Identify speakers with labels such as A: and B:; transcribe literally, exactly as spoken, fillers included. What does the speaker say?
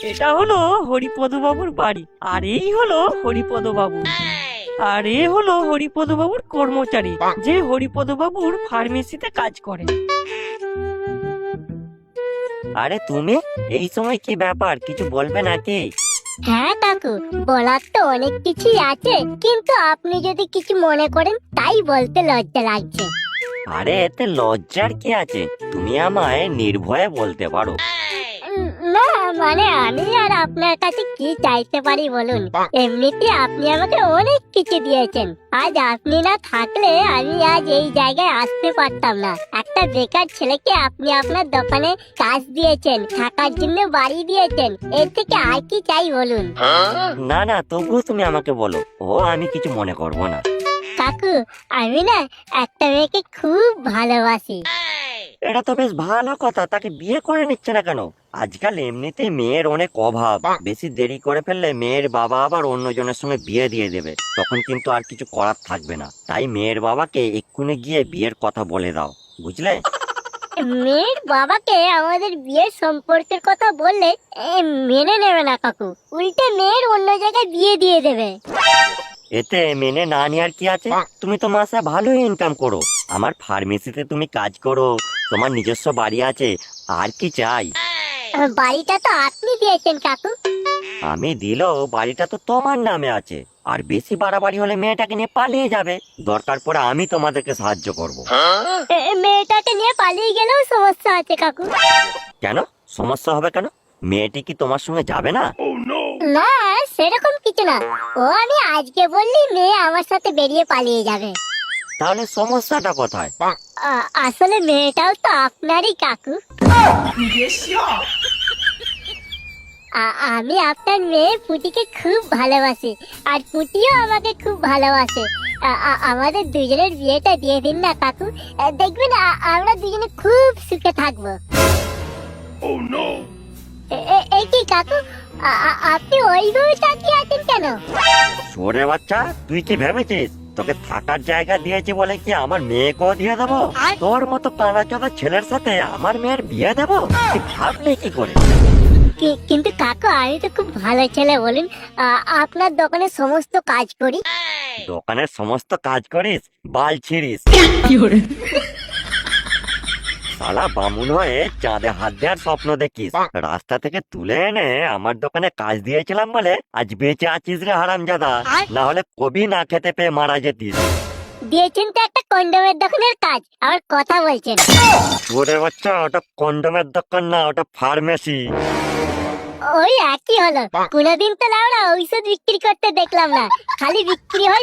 A: এটা হলো হরিপদ বাবুর বাড়ি, আর এই হলো হরিপদ বাবু, আর এ হলো হরিপদ বাবুর কর্মচারী যে হরিপদ বাবুর ফার্মেসিতে কাজ করে।
B: আরে তুমি এই সময় কি ব্যাপার, কিছু বলবে নাকি?
C: হ্যাঁ কাকু, বলার তো অনেক কিছুই আছে, কিন্তু আপনি যদি কিছু মনে করেন তাই বলতে লজ্জা লাগছে।
B: আরে এতে লজ্জার কি আছে, তুমি আমায় নির্ভয়ে বলতে পারো।
C: উম, না মানে আমি আর আপনার কাছে কি চাইতে পারি বলুন? এমনিতে আপনি আমাকে অনেক কিছু দিয়েছেন, আজ আপনি না থাকলে আমি আজ এই জায়গায় আসতে পারতাম না। একটা বেকার ছেলেকে আপনি আপনার দোকানে কাজ দিয়েছেন, থাকার জন্য বাড়ি দিয়েছেন, এর থেকে আর কি চাই বলুন?
B: না না, তবুও তুমি আমাকে বলো, ও আমি কিছু মনে করব না।
C: কাকু, আমি না একটা মেয়েকে খুব ভালোবাসি।
B: এটা তো বেশ ভালো কথা, তাকে বিয়ে করে নিচ্ছে না কেন? আজকাল এমনিতেই মেয়ের অনেক অভাব, বেশি দেরি করে ফেললে মেয়ের বাবা আবার অন্যজনের সঙ্গে বিয়ে দিয়ে দেবে, তখন কিন্তু আর কিছু করার থাকবে না। তাই মেয়ের বাবাকে এক্ষুনি গিয়ে বিয়ের কথা বলে দাও, বুঝলে?
C: মেয়ের বাবাকে আমাদের বিয়ের সম্পর্কের কথা বললে এ, মেনে নেবে না কাকু, উল্টে মেয়ের অন্য জায়গায় বিয়ে দিয়ে দেবে।
B: এতে মেনে না নেওয়ার কি আছে? তুমি তো মাসে ভালো ইনকাম করো, আমার ফার্মেসিতে তুমি কাজ করো, তোমার নিজস্ব বাড়ি আছে, আর কি চাই?
C: বাড়িটা তো আপনি দিয়েছেন কাকু।
B: আমি দিলেও বাড়িটা তো তোমার নামে আছে, আর বেশি বাড়াবাড়ি হলে মেয়েটাকে নিয়ে পালিয়ে যাবে, দরকার পড়ে আমি তোমাদেরকে সাহায্য করব।
C: এ, মেয়েটাকে নিয়ে পালিয়ে গেলেও সমস্যা আছে কাকু।
B: কেন সমস্যা হবে কেন? মেয়েটি কি তোমার সঙ্গে যাবে না?
C: না সেরকম কিছু না, ও আমি আজকে বললি মেয়ে আমার সাথে বেরিয়ে পালিয়ে যাবে।
B: তাহলে সমস্যাটা কোথায়?
C: আ- আসলে মেয়েটাও তো আপনারই কাকু। আ- আমি আপনার মেয়ে পুটিকে খুব ভালোবাসি, আর পুটিও আমাকে খুব ভালোবাসে। আ- আ- আমাদের দুজনের বিয়েটা দিয়ে দিন না কাকু, আ, দেখবেন আ- আমরা দুজনে খুব সুখে থাকবো। এ- এ- এই কি কাকু, আ- আ- আপনি ওইভাবে তাকিয়ে আছেন কেন?
B: ছোড়ে বাচ্চা, তুই কি ভেবেছিস তোকে থাকার জায়গা দিয়েছি বলে কি আমার মেয়েকেও দিয়ে দেবো? তোর মতো কানা চোদা ছেলের সাথে আমার মেয়ের বিয়ে দেবো? তুই ভাবলি কি করে?
C: কি- কিন্তু কাকু আমি তো খুব ভালো ছেলে বলুন, আ- আপনার দোকানে সমস্ত কাজ করি।
B: দোকানের সমস্ত কাজ করিস, বাল ছিড়িস, শালা বামুন হয়ে চাঁদে হাত দেওয়ার স্বপ্ন দেখিস, রাস্তা থেকে তুলে এনে আমার দোকানে কাজ দিয়েছিলাম বলে আজ বেঁচে আছিস রে হারামজাদা, না হলে কবি না খেতে পেয়ে মারা যেতিস।
C: দিয়েছেন তো একটা কন্ডমের দোকানের কাজ, আবার কথা বলছেন।
B: ওরে বাচ্চা, ওটা কন্ডোমের দোকান না, ওটা ফার্মেসি।
C: ওই একই হলো, কোনোদিন তো লাউড়া ঔষধ বিক্রি করতে দেখলাম না, খালি বিক্রি হয়